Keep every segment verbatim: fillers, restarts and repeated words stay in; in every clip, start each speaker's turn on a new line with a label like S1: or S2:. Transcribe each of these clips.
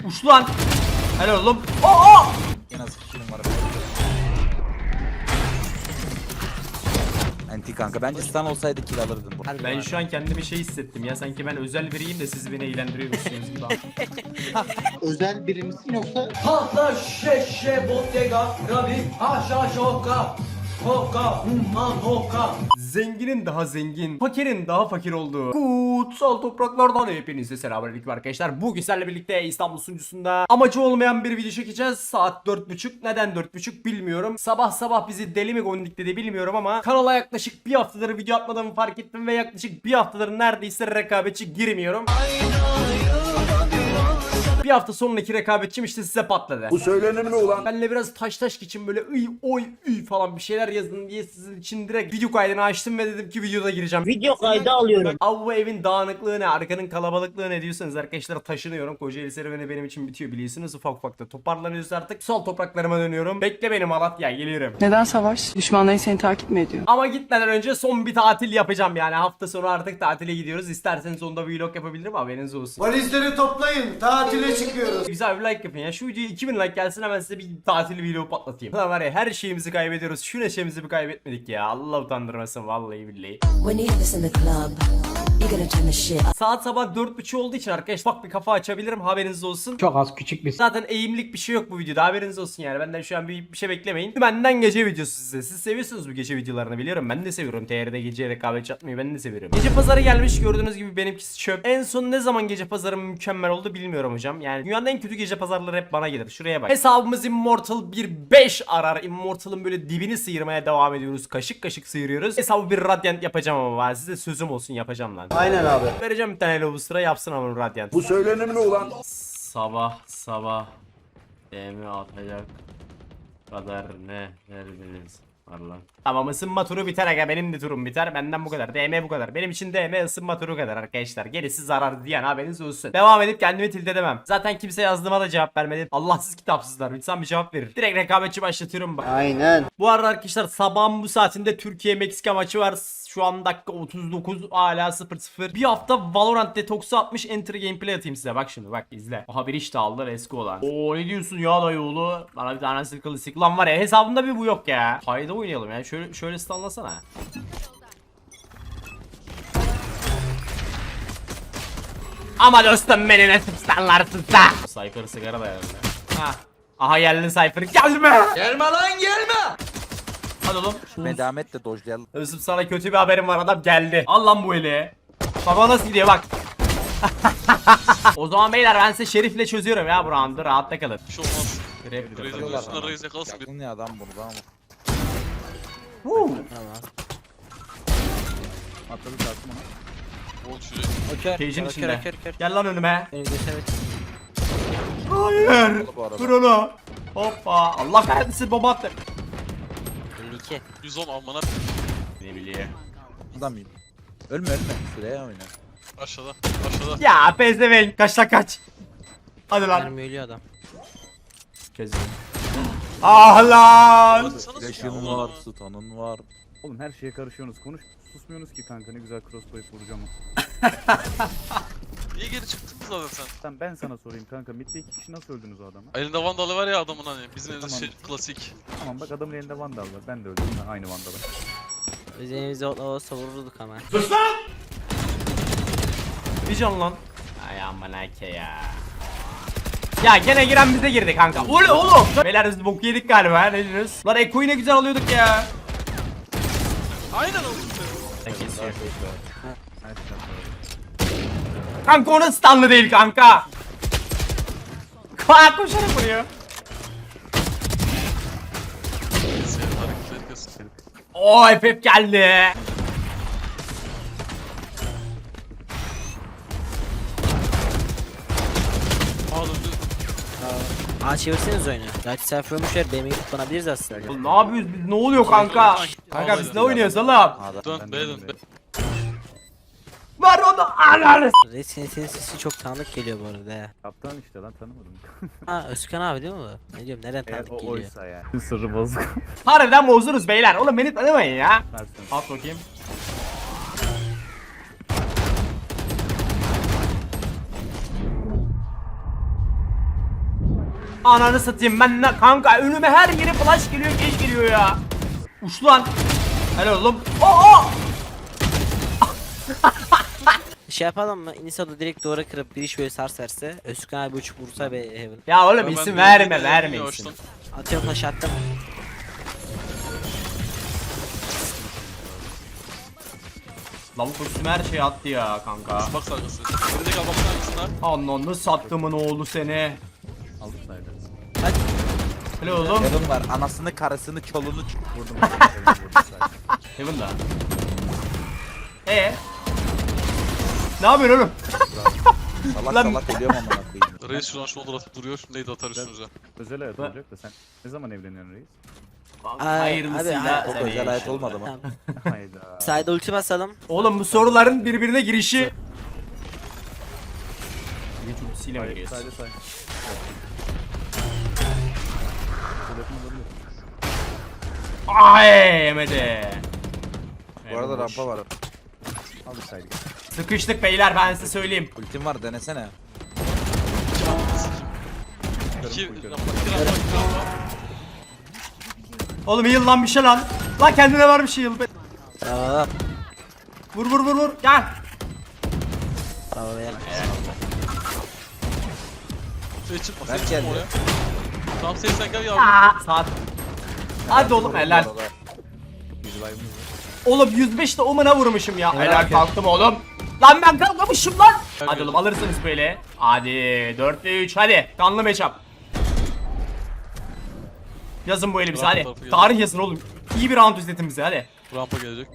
S1: Uç lan. Helal oğlum. Aa!
S2: En az iki kilim var. Anti kanka bence stun olsaydı kill alırdın bu.
S1: Ben şu an kendimi şey hissettim ya, sanki ben özel biriyim de siz beni eğlendiriyormuşsunuz gibi.
S3: Özel biri misin yoksa?
S4: Patla şeşe bottega rabi haşa şoka hoka humman hoka.
S1: Zenginin daha zengin, fakirin daha fakir olduğu kutsal topraklardan hepinize selamünaleyküm arkadaşlar. Bugün sizlerle birlikte İstanbul sunucusunda amacı olmayan bir video çekeceğiz. Saat dört buçuk. Neden dört buçuk bilmiyorum. Sabah sabah bizi deli mi gondikledi bilmiyorum ama kanala yaklaşık bir haftadır video atmadığımı fark ettim ve yaklaşık bir haftadır neredeyse rekabetçi girmiyorum. Bir hafta sonraki rekabetçim işte size patladı.
S5: Bu söylenir mi ulan?
S1: Benle biraz taş taş geçin, böyle ıy oy üy falan bir şeyler yazın diye sizin için direkt video kaydını açtım ve dedim ki videoda gireceğim.
S6: Video kaydı alıyorum.
S1: Abi bu evin dağınıklığı ne, arkanın kalabalıklığı ne diyorsanız arkadaşlar, taşınıyorum. Kocaeli serüveni benim için bitiyor biliyorsunuz. Ufak ufak da toparlanıyoruz artık. Sol topraklarıma dönüyorum. Bekle beni Malatya, geliyorum.
S7: Neden savaş? Düşmanların seni takip mi ediyor?
S1: Ama gitmeden önce son bir tatil yapacağım yani. Hafta sonu artık tatile gidiyoruz. İsterseniz onda vlog yapabilirim, haberiniz olsun.
S5: Valizleri toplayın, tatile çıkıyoruz.
S1: Güzel bir like yapın ya. Şu videoya iki bin like gelsin, hemen size bir tatil vlogu patlatayım. Lan var ya, her şeyimizi kaybediyoruz. Şu neşemizi bir kaybetmedik ya. Allah utandırmasın vallahi billahi.
S8: When you have this in the club, you're gonna turn the shit up.
S1: Saat sabah dört buçuk olduğu için arkadaşlar bak bir kafa açabilirim, haberiniz olsun.
S4: Çok az küçük bir
S1: Zaten eğimlik bir şey yok bu videoda, haberiniz olsun yani. Benden şu an bir, bir şey beklemeyin. Benden gece videosu size. Siz seviyorsunuz bu gece videolarını biliyorum. Ben de seviyorum. T R'de gece rekabetçi atmayı ben de seviyorum. Gece pazarı gelmiş, gördüğünüz gibi benimkisi çöp. En son ne zaman gece pazarı mükemmel oldu bilmiyorum hocam. Yani dünyanın en kötü gece pazarları hep bana gelir. Şuraya bak. Hesabımız Immortal bir beş arar. Immortal'ın böyle dibini sıyırmaya devam ediyoruz. Kaşık kaşık sıyırıyoruz. Hesabı bir Radiant yapacağım ama var. Size sözüm olsun, yapacağım lan.
S5: Aynen abi.
S1: Vereceğim bir tane bu sıra, yapsın ama Radiant.
S5: Bu söylenir mi ulan?
S1: Sabah sabah D M atacak kadar ne verdiniz var lan. Tamam, ısınma turu biter aga, benim de turum biter, benden bu kadar. D M bu kadar, benim için D M ısınma turu kadar arkadaşlar. Gerisi zarar diyen haberiniz olsun. Devam edip kendimi tilt edemem. Zaten kimse yazdığıma da cevap vermedi. Allahsız kitapsızlar, insan bir cevap verir. Direkt rekabetçi başlatıyorum bak.
S3: Aynen.
S1: Bu arada arkadaşlar sabahın bu saatinde Türkiye Meksika maçı var. Şu an dakika otuz dokuz, hala sıfır sıfır. Bir hafta Valorant detoksu atmış, enter gameplay atayım size. Bak şimdi, bak izle. Aha bir iş de aldı eski olan. Oo ne diyorsun ya dayıoğlu? Bana bir tane sıkılı sık. Lan var ya, hesabımda bir bu yok ya. Hayda oynayalım ya. Şöyle şöyle stunlasana. Ama dostum beni ne stunlarsın sen? Cypher sigara da herhalde. Ha. Aha geldin Cypher. Gelme.
S4: Gelme lan gelme.
S1: Hadi oğlum.
S2: Medamet de dojlayalım.
S1: Özüm sana kötü bir haberim var, adam geldi. Al lan bu eli. Baba nasıl gidiyor bak. O zaman beyler ben size Şerif'le çözüyorum ya bu roundu, rahatta kalın.
S9: Bir şey olmaz.
S1: Grab
S9: Reis'in üstüne Reis yakalasın bir.
S2: Yakın ya adam burada ama. Atladı tartım ona.
S9: Ol şuraya.
S1: Cage'in içinde. Gel lan önüme.
S6: Beni geçemek.
S1: Hayır.
S2: Bu arada.
S1: Vur onu. Hoppa. Allah kahretsin, bomba attı.
S6: elli iki.
S9: yüz on amına.
S1: Ne bileyim.
S2: Adam mıyım? Ölme ölme. Şuraya oyna.
S9: Aşağıda. Aşağıda.
S1: Ya pezevenk, kaç lan kaç. Hadi lan.
S6: Mermi ölüyor adam.
S1: Kesin. Ah lan.
S9: Sana
S2: Flash'ın var, stun'ın var.
S10: Oğlum her şeye karışıyorsunuz. Konuş susmuyorsunuz ki kanka, ne güzel crossbow vuracağım.
S9: Niye geri çıktın zaten sen?
S10: Sen ben sana sorayım kanka, midde iki kişi nasıl öldünüz o adama?
S9: Elinde vandalı var ya adamın hani. Bizim evde
S10: Tamam.
S9: şey klasik.
S10: Tamam bak, adamın elinde vandal var, ben de öldüm ben aynı vandalı.
S6: Biz elimizde otla olsa vururduk ama.
S1: Bir can lan. Ay aman ake ya. Ya gene giren bize girdi kanka. Ulu oğlum. Beyler biz boku yedik galiba, ne diyorsunuz? Lan Eko'yu ne güzel alıyorduk ya.
S9: Aynen oldu.
S1: Kesiyor. Kanka onun stunlı değil kanka. Kaa koşarak vuruyor.
S9: Senin hareketleri kesin.
S1: Oo F F geldi.
S9: Aa döndü.
S6: Aa çevirseniz oyunu. Gerçi sen fırmışlar B M'yi kullanabiliriz aslında.
S1: Oğlum ne yapıyoruz biz, ne oluyor kanka? Kanka biz ne oynuyoruz oğlum?
S2: Adam,
S9: Dön
S2: ben
S9: be
S2: de
S9: dön be.
S1: Var onu anarız.
S6: Reis senin, senin sesi çok tanıdık geliyor bu arada ya.
S10: Kaptan işte lan, tanımadım.
S6: Ha Özkan abi değil mi bu? Ne diyorum, nereden
S10: Eğer
S6: tanıdık
S10: o
S6: geliyor?
S10: oysa ya. Sırrı bozuk.
S1: Harbiden bozdunuz beyler. Oğlum beni tanımayın ya.
S10: Versin.
S1: At bakayım. Ananı satayım ben ne kanka, önüme her yere flash geliyor, geç geliyor ya. Uç lan. Helal oğlum. Oo!
S6: Şey yapalım mı? Inisa'da direkt duvara kırıp bir iş böyle sars verse. Özkan abi uçup vursa ve Heaven.
S1: Ya oğlum
S9: Ben
S1: isim
S9: de-
S1: verme
S9: ben de-
S1: verme
S9: ben de-
S1: isim.
S6: Atıyorum taş attım.
S1: Lavuk üstüme her şeyi attı ya kanka.
S9: Bak sargısı. Gerizek al baksana hangisine.
S1: Ananı sattımın oğlu seni.
S10: Aldık saydı.
S6: Hadi.
S1: Helal oğlum.
S2: Heaven var. Anasını, karısını, çoluğunu çık- vurdum.
S1: Heaven da. Ee? Ne yapıyorsun oğlum?
S2: Salak
S1: Lan-
S2: salak ölüyorum amına koyayım.
S9: Reis şuradan shoulder atıp duruyor. Şimdi nade atar üstünüze.
S10: Özel hayat
S1: Ben-
S10: olacak da sen ne zaman evleniyorsun reis?
S6: Ay,
S1: Hayırlısıyla.
S6: abi,
S2: Çok
S1: seni
S2: özel hayat
S1: inşallah.
S2: olmadı mı?
S6: Tamam.
S10: Hayda.
S6: Sayda ulti basalım.
S1: Oğlum bu soruların birbirine girişi. Güç ultisiyle mi
S10: Saydı
S1: giriyorsun?
S10: saydı saydı. Telefon alabiliyor.
S1: Ay yemedi.
S2: Bu arada rampa var.
S10: Aldık saydı.
S1: Sıkıştık beyler, ben size söyleyeyim.
S2: Ultim var, denesene.
S9: İki
S10: Kırım,
S9: rampa, iki rampa, iki rampa.
S1: Oğlum heal lan bir şey lan. Lan kendine var bir şey heal be.
S6: Bravo.
S1: Vur vur vur vur. Gel.
S6: Bravo beyler.
S9: Şey çıkma,
S2: Ver
S9: sen çıkma
S2: geldi.
S9: oraya. Tamam sen sen gel yavrum.
S1: Aa, saat. Hadi oğlum
S2: Vurdum
S1: helal.
S2: bu arada.
S10: Biz live'ımız var.
S1: Oğlum yüz beş de omuna vurmuşum ya.
S6: Helal
S1: Helal
S6: ki.
S1: kalktım oğlum. Lan ben kalkmamışım lan. Hadi
S9: Kalkıyorum.
S1: oğlum alırsınız böyle. Hadi dört ve üç hadi. Kanlı matchup. Yazın bu elimizi
S9: Rampa
S1: hadi.
S9: tarafı geldi.
S1: Tarih yazın oğlum. İyi bir round izletin bize hadi.
S9: Rampa gelecek.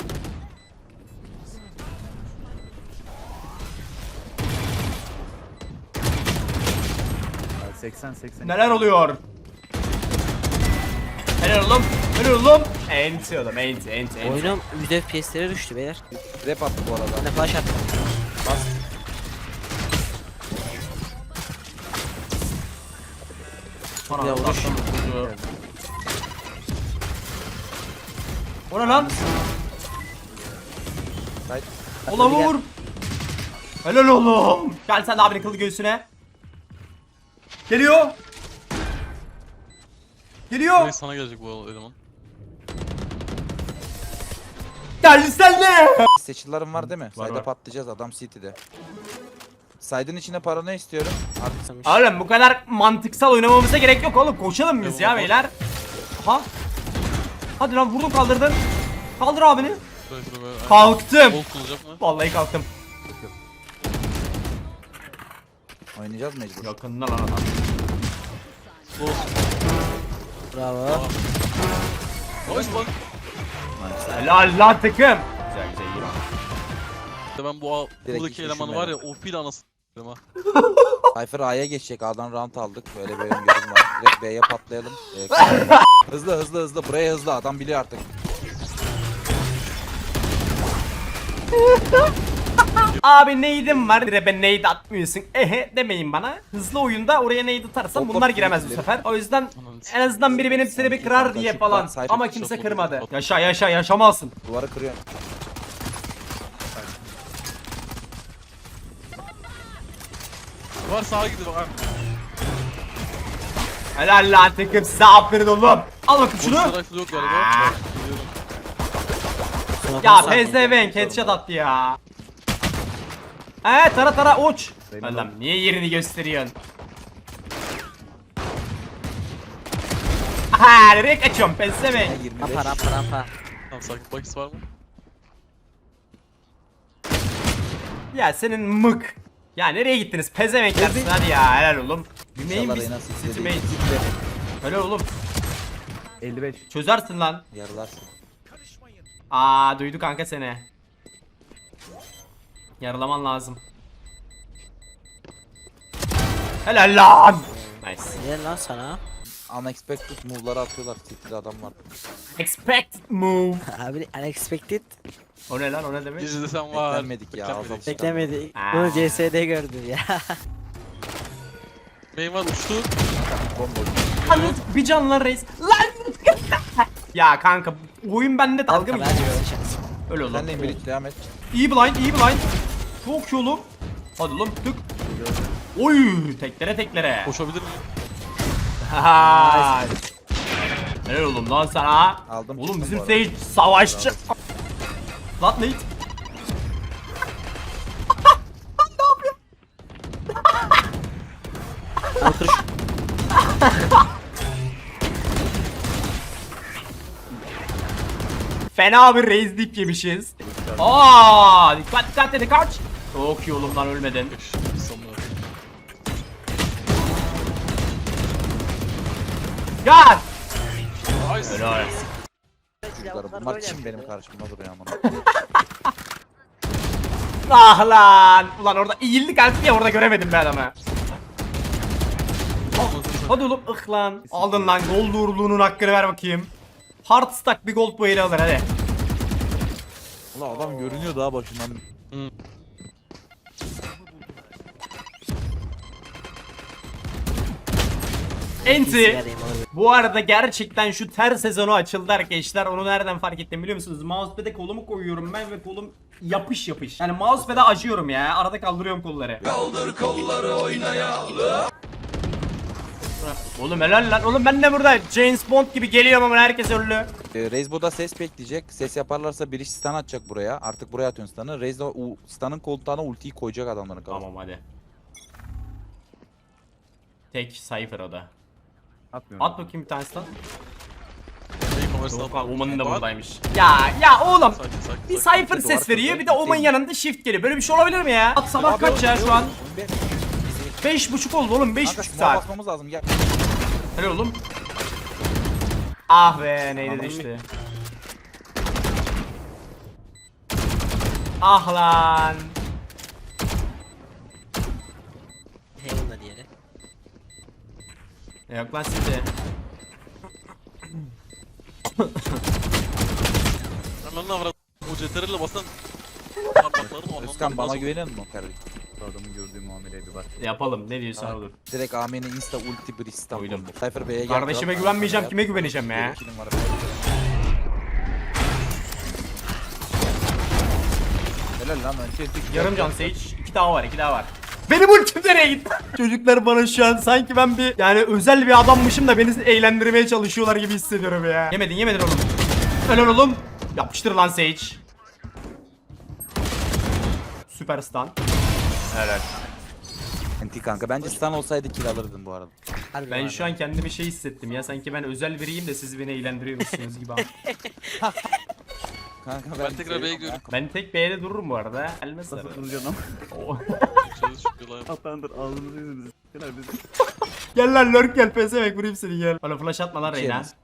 S10: Yani seksen seksen.
S1: Neler oluyor? Helal oğlum. Helal oğlum. Enti oğlum enti enti enti.
S6: Oyunum yüz F P S'lere düştü beyler.
S2: Rap attı bu arada.
S6: Ben de flash attım.
S1: Bana
S6: Ya,
S1: Allah
S6: vuruş.
S1: Allah. O ne lan?
S2: Saydı.
S1: Ola
S6: Hadi gel.
S1: vur. Helal oğlum. Gel sen de abinin kılı göğsüne. Geliyor. Geliyor.
S9: Reis sana gelecek bu eleman.
S1: Gel sen de.
S2: Seçillerim var değil mi?
S1: Var,
S2: Sayda
S1: var.
S2: patlayacağız, adam City'de. Saydın içine paranoya istiyorum. Artık
S1: Oğlum bu kadar mantıksal oynamamıza gerek yok oğlum. Koşalım biz ya beyler. Ha? Hadi lan vurdun kaldırdın. Kaldır abini.
S9: Böyle şöyle böyle.
S1: Kalktım.
S9: Bol kullanacak mı?
S1: Vallahi kalktım.
S2: oynayacağız mecbur.
S1: Yakında lan adam.
S6: Bravo.
S9: Nice bak.
S1: Helal lan takım. Güzel güzel iyi.
S9: İşte ben bu
S2: Direkt
S9: buradaki
S2: hiç
S9: elemanı var ya
S2: düşünmedim.
S9: O P ile anasını s**erim ha.
S2: Cypher A'ya geçecek, A'dan round aldık. Böyle bir öngörüm var. Direkt B'ye patlayalım. Ee, hızlı hızlı hızlı, buraya hızlı, adam biliyor artık.
S1: Abi neydim var? Dire ben neydi atmıyorsun. Ehe demeyin bana. Hızlı oyunda oraya neydi atarsam
S2: Hop,
S1: bunlar
S2: hop,
S1: giremez bu
S2: ileri.
S1: sefer. O yüzden
S9: Ananı s**erim.
S1: en azından biri benim seni kırar diye falan. Ama kimse kırmadı. Yaşa yaşa yaşamalsın.
S2: Duvarı kırıyor.
S9: Var sağa gidiyor bak.
S1: Helal lan takım size aferin oğlum. Al bakayım şunu.
S9: Şunu. Yok galiba.
S1: Aa.
S9: Biliyorum.
S1: Ya pezevenk headshot attı ya. He tara tara uç.
S10: Benim
S1: Allah'ım
S10: oğlum.
S1: niye yerini gösteriyorsun? Aha nereye kaçıyorsun pezevenk?
S2: yirmi beş.
S6: Rampa rampa rampa.
S9: Tamam sakin. Bakis var mı?
S1: Ya senin mık. Ya nereye gittiniz pezevenklersin hadi ya helal oğlum. Bilmeyin
S2: İnşallah
S1: biz
S2: Reyna
S1: City
S2: sizde
S1: Mate.
S2: değil.
S1: Helal oğlum.
S10: elli beş.
S1: Çözersin lan.
S2: Yarılarsın.
S1: Aa duydu kanka seni. Yaralaman lazım. Helal lan. Nice.
S6: Ne lan sana?
S2: Unexpected move'ları atıyorlar. City'de adam var.
S1: Expected move.
S6: Abi unexpected.
S1: O ne lan o ne demek?
S9: Gizli sen var.
S2: Beklenmedik ya,
S9: Beklenmedik.
S2: adam.
S6: Beklemedik.
S1: Aa.
S6: Bunu C S'de gördüm ya.
S9: Main var uçtu.
S2: Bomba.
S1: Anladın bir can lan reis. Lan. Ya kanka oyun bende dalga mı
S6: Kanka, ben
S1: geçiyor?
S6: de şans.
S1: Öyle oğlum.
S2: Sen de Emre'yle devam et.
S1: İyi blind iyi blind. Çok iyi oğlum. Hadi oğlum tık. Oy teklere teklere.
S9: Koşabilir miyim?
S1: Ha. Helal oğlum lan sana.
S2: Aldım,
S1: Oğlum
S2: çıktım
S1: bizim
S2: bu arada.
S1: Sage savaşçı. Lan ne?
S6: Otur.
S1: Fena bir raise dip yemişiz. Aa, dikkat dikkat dedi kaç. Çok iyi oğlum lan ölmedin.
S9: Sonuna.
S1: Gel.
S9: Nice.
S1: Helal.
S2: Çocuklar, bunlar kim benim karşımda duruyor ama.
S1: Ah lan. Ulan orada eğildik artık ya orada göremedim ben adamı. Hadi oğlum ıh lan. Aldın lan gold uğurluğunun hakkını ver bakayım. Hard stack bir gold bu eli alır hadi.
S2: Ulan adam görünüyor daha başından.
S1: Enti.
S6: Sigarayım alır.
S1: Bu arada gerçekten şu ter sezonu açıldı arkadaşlar. Onu nereden fark ettim biliyor musunuz? Mousepad'e kolumu koyuyorum ben ve kolum yapış yapış. Yani mousepad'e acıyorum ya. Arada kaldırıyorum kolları. Kaldır kolları oynayalım. Oğlum helal lan. Oğlum ben de burada James Bond gibi geliyorum ama herkes öldü.
S2: Ee, Reis burada ses bekleyecek. Ses yaparlarsa bir iş stun atacak buraya. Artık buraya atıyorsun stun'ı. Reis de o stun'ın koltuğuna ultiyi koyacak adamların kafasına.
S1: Tamam hadi. Tek Cypher o da.
S10: Atmıyorum.
S1: At bakayım bir tanesi lan.
S9: Neyin numarasını
S1: Yok
S9: al.
S1: lan Oman'ın da
S9: Bak.
S1: buradaymış. Ya ya oğlum.
S9: Sakin sakin.
S1: Bir
S9: sakin.
S1: Cypher
S2: Duvar
S1: ses veriyor bir de
S2: kırdı.
S1: Oman yanında shift geliyor. Böyle bir şey olabilir mi ya? At sabah
S2: Abi,
S1: kaç ya
S2: oyun-
S1: şu an?
S2: oyun be-
S1: Beş buçuk oldu oğlum beş
S2: Kanka
S1: buçuk
S2: smoke
S1: saat.
S2: basmamız lazım gel.
S1: Hadi oğlum. Ah be neydi
S2: Anladım.
S1: düştü. Ah lan.
S6: Heaven'da diğeri.
S1: Yok lan size.
S9: Ananı avrat. O C T R L'le basan parmaklarını anlamam.
S2: Özkan bana güveniyor musun kardeşim?
S10: Bu adamın gördüğü muameleydi bak.
S1: Yapalım ne diyorsan
S2: Tamam.
S1: olur.
S2: Direkt A M'nin insta ulti bridge stun
S1: Uydum.
S2: koydu. Cypher B'ye gel.
S1: Kardeşime
S2: kral.
S1: güvenmeyeceğim kime güveneceğim ya?
S2: Bir kilim var. Helal lan önce tek-
S1: Yarım can Sage. İki daha var iki daha var. Benim ultim nereye gitti? Çocuklar bana şu an sanki ben bir yani özel bir adammışım da beni eğlendirmeye çalışıyorlar gibi hissediyorum ya. Yemedin yemedin oğlum. Helal oğlum. Yapıştır lan Sage. Süper stun. Helal.
S2: Anti kanka bence stun olsaydı kill alırdın bu arada.
S6: Harbi
S1: Ben
S6: var
S1: şu an kendimi şey hissettim ya sanki ben özel biriyim de siz beni eğlendiriyormuşsunuz gibi.
S2: Kanka
S9: Ben tekrar B'ye gidiyorum.
S1: Ben tek B'de dururum bu arada. Elmez
S10: Nasıl
S1: tabii.
S10: duracaksın ama?
S1: Oo.
S9: Çalış şükür lan.
S10: Atlandır ağzınızı yüzünüzü. Gel abi.
S1: Gel lan lurk gel pezevenk vurayım seni gel. Bana flash atma lan
S2: Bir şey
S1: Reyna.
S2: yemez.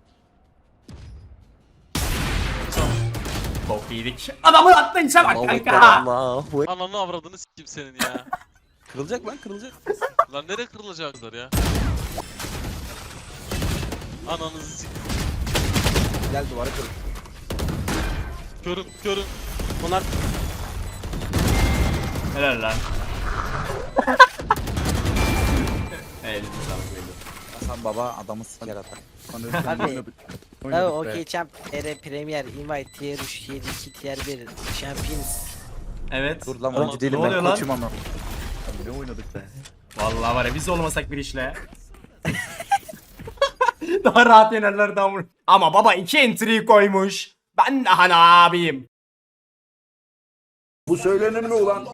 S1: Bok yedik. Adamı attın işe bak kanka.
S9: Ananı avradını s**eyim senin ya.
S2: Kırılacak lan kırılacak.
S9: Lan nereye kırılacaklar ya? Ananızı s**eyim.
S2: Gel duvara kır.
S9: Körüm körüm.
S6: Bunlar
S1: Helal lan. Evet, sağlık belli.
S2: Hasan baba adamı siker atar.
S10: Anladım.
S6: Abi.
S10: Oynadık.
S6: Oh,
S10: Oynadık be.
S6: okay champ, T R Premier, Invite, Tier üç, yedi, iki, Tier bir, Champions.
S1: Evet.
S2: Dur lan
S9: Tamam.
S2: oyuncu değilim
S1: Ne oluyor
S2: ben
S1: lan?
S2: koçum ama.
S10: Abi ne oynadık be.
S1: Vallahi var ya biz olmasak bir işle. Daha rahat yenerler daha vur- Ama baba iki entry koymuş. Ben daha ne yapayım?
S5: Bu söylenir mi ulan?